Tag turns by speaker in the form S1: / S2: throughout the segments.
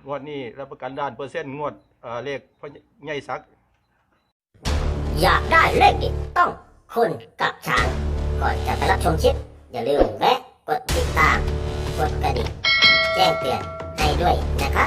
S1: งวดนี้รับประกันด้านเปอร์เซ็นต์งวดเลขพ่อใหญ่ศักดิ์
S2: อยากได้เลขเด็ดต้องคุณกับช้างก่อนจะไปรับชมคลิปอย่าลืมแวะกดติดตามกดกระดิ่งแจ้งเตือนให้ด้วยนะครับ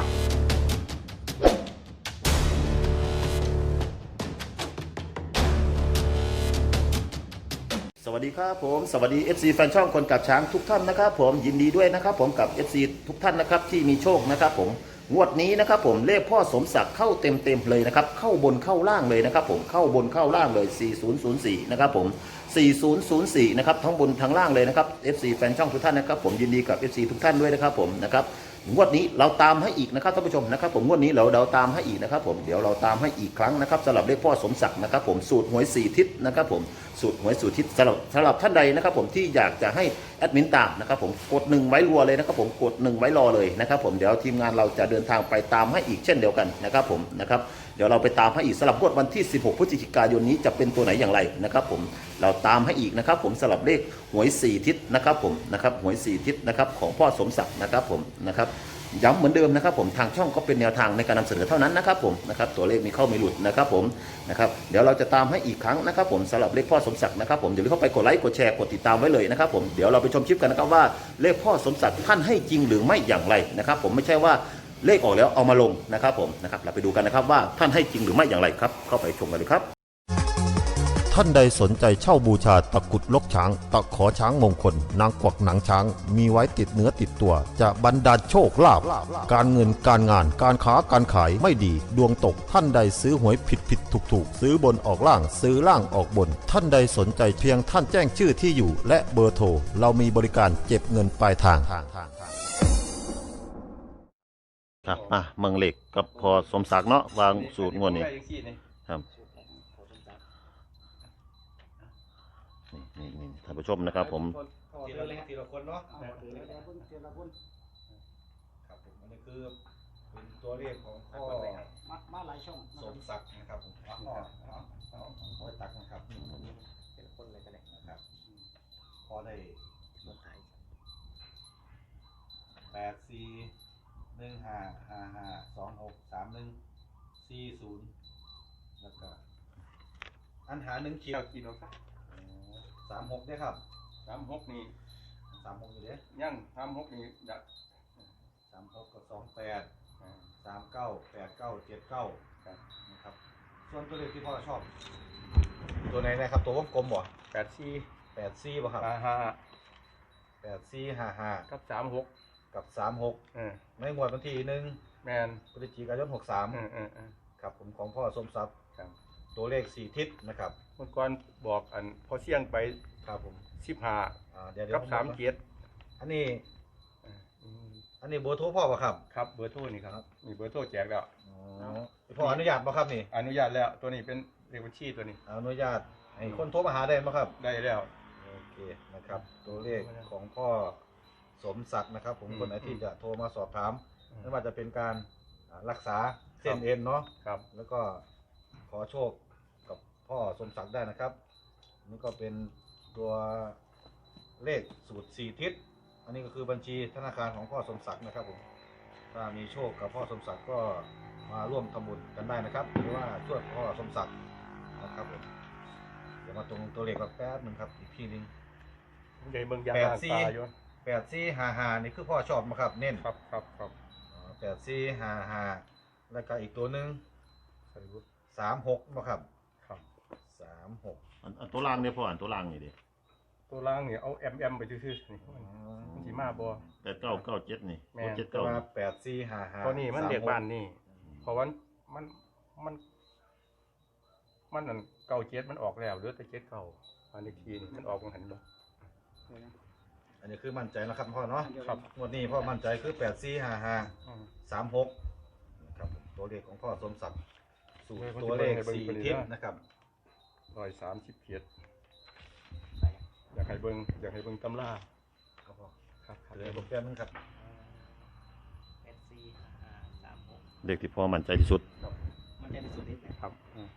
S3: สวัสดีครับผมสวัสดี FC แฟนช่องคนกับช้างทุกท่านนะครับผมยินดีด้วยนะครับผมกับ FC ทุกท่านนะครับที่มีโชคนะครับผมงวดนี้นะครับผมเลขพ่อสมศักดิ์เข้าเต็มเลยนะครับเข้าบนเข้าล่างเลยนะครับผมเข้าบนเข้าล่างเลย4004นะครับผม4004นะครับทั้งบนทั้งล่างเลยนะครับ FC แฟนช่องทุกท่านนะครับผมยินดีกับ FC ทุกท่านด้วยนะครับผมนะครับงวดนี้เราตามให้อีกนะครับท่านผู้ชมนะครับผมงวดนี้เราตามให้อีกนะครับผมเดี๋ยวเราตามให้อีกครั้งนะครับสำหรับเลขพ่อสมศักดิ์นะครับผมสูตรหวย4ทิศนะครับผมสูตรหวย4ทิศสำหรับท่านใดนะครับผมที่อยากจะให้แอดมินตามนะครับผมกด1ไว้รัวเลยนะครับผมกด1ไว้รอเลยนะครับผมเดี๋ยวทีมงานเราจะเดินทางไปตามให้อีกเช่นเดียวกันนะครับผมนะครับเดี๋ยวเราไปตามให้อีกสำหรับงวดวันที่16พฤศจิกายนนี้จะเป็นตัวไหนอย่างไรนะครับผมเราตามให้อีกนะครับผมสำหรับเลขหวย4ทิศนะครับผมนะครับหวย4ทิศนะครับของพ่อสมศักดิ์นะครับผมนะครับย้ำเหมือนเดิมนะครับผมทางช่องก็เป็นแนวทางในการนำเสนอเท่านั้นนะครับผมนะครับตัวเลขมีเข้าไม่หลุดนะครับผมนะครับเดี๋ยวเราจะตามให้อีกครั้งนะครับผมสำหรับเลขพ่อสมศักดิ์นะครับผมเดี๋ยวเข้าไปกดไลค์กดแชร์กดติดตามไว้เลยนะครับผมเดี๋ยวเราไปชมคลิปกันนะครับว่าเลขพ่อสมศักดิ์ท่านให้จริงหรือไม่อย่างไรนะครับผมไม่ใช่ว่าเลขออกแล้วเอามาลงนะครับผมนะครับเราไปดูกันนะครับว่าท่านให้จริงหรือไม่อย่างไรครับเข้าไปชมกันเลยครับท่านใดสนใจเช่าบูชาตะกุดลกช้างตะขอช้างมงคลนางกวักหนังช้างมีไว้ติดเนื้อติดตัวจะบรรดาลโชคลาภการเงินการงานการค้าการขายไม่ดีดวงตกท่านใดซื้อหวยผิดถูกซื้อบนออกล่างซื้อล่างออกบนท่านใดสนใจเพียงท่านแจ้งชื่อที่อยู่และเบอร์โทรเรามีบริการเก็บเงินปลายทางครับเมืองเหล็กกับพอสมศักดิ์เนาะวางสูตรงวดนี้ครับนี่ท่านผู้ชมนะครับผม
S1: ทีละเล็กทีละคนเนาะครับผมอันนี้คือเป็นตัวเลขของพ่อ
S4: มาหลายช่อง
S1: สมศักดิ์นะครับผมเอาตักนะครับเป็นคนเลยก็ได้นะครับพอได้841555263140แล้วก็อันหา1ขีดกิโลครับ36ได้ครับ
S5: 36นี่
S1: 36อยู่เด้
S5: ยัง36นี่ดัก
S1: 36กับ28 39 89 79นะครับส่วนตัวเลขที่พ่อชอบตัวไหนนะครับตัววงกลมบ่
S5: 84
S1: 84บ่ครับ8455
S5: กับ36
S1: กับ36ในงวดวันที่1
S5: แมน
S1: พฤศจิกายน63ครับผมของพ่อสมศักดิ์ตัวเลข4ทิศนะครับ
S5: เมื่อก่อนบอกอันพอเสี่ยงไป
S1: ครับผม
S5: 15
S1: เดี๋ยว
S5: กับ37
S1: อันนี้เบอร์โทรพ่อป่ะครับ
S5: ครับเบอร์โทรนี่ครับมีเบอร์โทรแจกแล้ว
S1: พ่ออนุญาตป่ะครับนี่
S5: อนุญาตแล้วตัวนี้เป็นเลขบัญชีตัวนี้
S1: อนุญาตให้คนโทรมาหาได้ป่ะครับ
S5: ได้แล้ว
S1: โอเคนะครับตัวเลขของพ่อสมศักดิ์นะครับผมคนไหนที่จะโทรมาสอบถามไม่ว่าจะเป็นการรักษาเส้นเอ็นเนาะ
S5: ครับ
S1: แล้วก็ขอโชคกับพ่อสมศักดิ์ได้นะครับนี่ก็เป็นตัวเลขสูตร4ทิศอันนี้ก็คือบัญชีธนาคารของพ่อสมศักดิ์นะครับผมถ้ามีโชคกับพ่อสมศักดิ์ก็มาร่วมทำบุญกันได้นะครับหรือว่าช่วยพ่อสมศักดิ์นะครับผมเดี๋ยวมาตรงตัวเลขกับแป๊บนึงครับอีกทีนึง
S5: ในเมืองยาลาตาอยู่
S1: 8455นี่คือพ่อชอบมาครับเน้น
S5: ครับ
S1: 8455แล้วก็อีกตัวนึง36มาครับ36
S3: อันตัวล่างเนี่ยพ่ออันตัวล่างนี่ดิ
S5: ตัวล่างนี่เอาไปซื่อๆนี่มันสิมาบ่
S3: 8997นี่
S1: 8455
S5: ตัวนี้มันเด็กบ้านนี่เพราะว่ามันอัน97มันออกแล้วเหลือแต่79อันนี้ทีนี่มันออกบ่หันบ่
S1: อันนี้คือมั่นใจนะครับพ่อเนาะ
S5: ครับ
S1: งวดนี้พ่อมั่นใจคือ845536นะครับตัวเลขของพ่อสมศักดิ์สูตรตัวเลข4ทิศนะครับ
S5: 137อยากให้เบิ่งตำรา
S1: ครับพ่อ
S5: ครับ
S1: เหลือผมแป๊บนึงครับ
S3: เลขที่พ่อมั่นใจที่สุด
S4: มันใจที่สุดนิด
S5: ครับ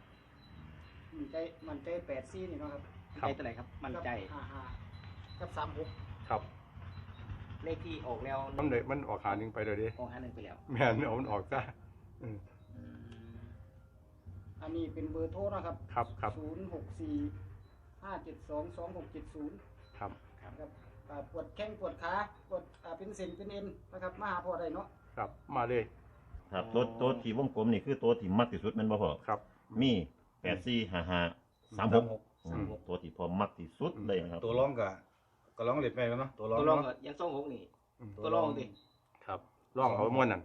S4: มันใจ84นี่เนาะครับใจตัวไหนครับมันใจ55กับ36
S5: ครับ
S4: เลเลขที่ออกแล้ว
S5: มันออกหาหนึ่งไปเลยดิ
S4: ออก51ไปแล้ว
S5: แม่นเอามันออกซะอืม
S4: อันนี้เป็นเบอร์โทรนะครับ
S5: ครับ
S4: 064-572-2670
S5: ครับ
S4: ครับปวดแข้งปวดขาปวดเป็นเส้นเป็นเอ็นนะครับมาหาพ่อได้เนาะ
S5: ครับมาเลย
S3: ครับตัวที่วงกลมนี่คือตัวที่มักที่สุดแมันบ่พอ
S5: ครับ
S3: มี845536ตัวที่พอมักที่สุดเลยนะครับ
S1: ตัวร้องก็ร้องเล็ดไปกันเนาะตัวร้อง
S4: ตัวรอง
S1: เนาะ
S4: ก็ยัง26นี่
S5: อืม
S4: ตัวรองดิ
S5: ครับร่องเขาม้วนนั่น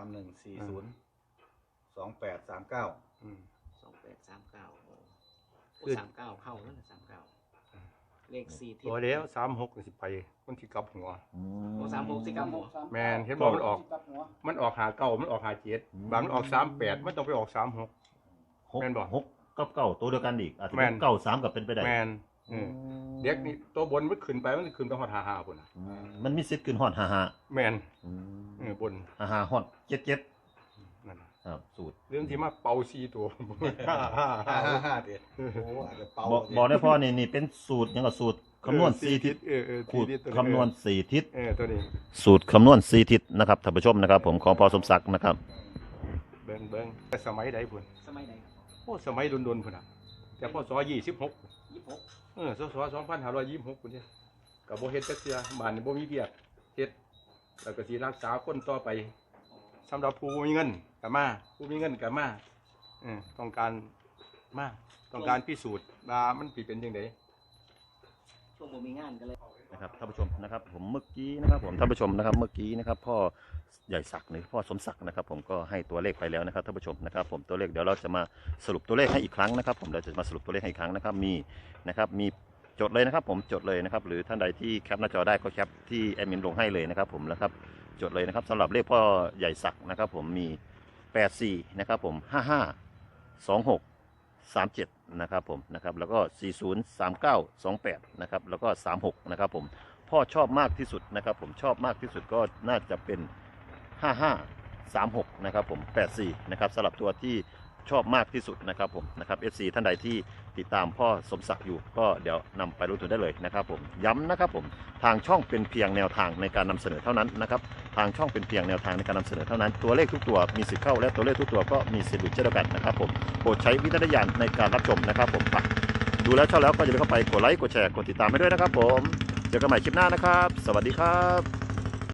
S1: 31402839
S5: อืม
S4: 2839โอ้
S5: คือ
S4: 39เข้าแล้วนะ39เลข4ทิศ
S5: ตัวแล้ว36นี่สิไปมันสิกลับหัว
S4: โอ้36สิครับผม
S5: แม่นเห็นบอกมันออก
S4: กลับหัว
S5: มันออกหาเก้ามันออกหาเจ็ดบางมันออก38มันต้องไปออก36 แม่นบ่
S3: 6กับเก้าตัวเดียวกันอีกอาจจะ
S5: แม่
S3: เป็น
S5: น
S3: เก้าสามกับเป็นไปได้
S5: แม่นเด็กนี่ตัวบนมันขึ้นไปมันขึ้นไปฮอด55พุ่นน่ะ
S3: มันมีสิทธิ์ขึ้นฮอด55
S5: แม่นบน
S3: 55ฮอด77
S5: นั่นน่ะ
S3: ครับสูตร
S5: เรื่องที่มาเป่า4ตัว
S1: 55เด็ดโอ้อาจจะเป่า
S3: บอกได้พ่อนี่เป็นสูตรหยังก็สูตรคำนวณ4ทิศ
S5: สี่ทิศ
S3: คำนวณ4ทิศ
S5: ตัวนี้
S3: สูตรคำนวณ4ทิศนะครับท่านผู้ชมนะครับ ผมของพ่อสมศักดิ์นะครับ
S5: เบิ่งแต่สมัยใดพุ่น
S4: สมัยไหนครับ
S5: โอ้สมัยดนๆพุ่นน่ะแต่พศ26
S4: 26
S5: ศ2526พุ่นเด้ก็บ่เฮ็ดจักเทื่อบ้านนี่บ่มีเวียกเฮ็ดแล้วก็สิรักษาคนต่อไปสำหรับผู้บ่มีเงินก็มาผู้มีเงินก็มาต้องการพิสูจน์ว่ามันสิเป็นจังได๋
S4: ช่วงผมมีงานกันเลย
S3: นะครับท่านผู้ชมนะครับผมเมื่อกี้นะครับผมท่านผู้ชมนะครับเมื่อกี้นะครับพ่อใหญ่ศักดิ์หรือพ่อสมศักดิ์นะครับผมก็ให้ตัวเลขไปแล้วนะครับท่านผู้ชมนะครับผมตัวเลขเดี๋ยวเราจะมาสรุปตัวเลขให้อีกครั้งนะครับผมเราจะมาสรุปตัวเลขให้อีกครั้งนะครับมีจดเลยนะครับผมจดเลยนะครับหรือท่านใดที่แคปหน้าจอได้ก็แคปที่แอดมินลงให้เลยนะครับผมแล้วครับจดเลยนะครับสำหรับเลขพ่อใหญ่ศักดิ์นะครับผมมี84นะครับผม5526 37นะครับผมนะครับแล้วก็403928นะครับแล้วก็36นะครับผมพ่อชอบมากที่สุดนะครับผมชอบมากที่สุดก็น่าจะเป็น5536นะครับผม84นะครับสำหรับตัวที่ชอบมากที่สุดนะครับผมนะครับ FC ท่านใดที่ติดตามพ่อสมศักดิ์อยู่ก็เดี๋ยวนำไปรู้ตัวได้เลยนะครับผมย้ำนะครับผมทางช่องเป็นเพียงแนวทางในการนำเสนอเท่านั้นนะครับทางช่องเป็นเพียงแนวทางในการนำเสนอเท่านั้นตัวเลขทุกตัวมีสิทธิ์เข้าและตัวเลขทุกตัวก็มีสิทธิ์หลุดเช่นเดียวกันนะครับผมโปรดใช้วิจารณญาณในการรับชมนะครับผมดูแล้วชอบแล้วก็อย่าลืมเข้าไปกดไลค์กดแชร์กดติดตามให้ด้วยนะครับผมเจอกันใหม่คลิปหน้านะครับสวัสดีครับ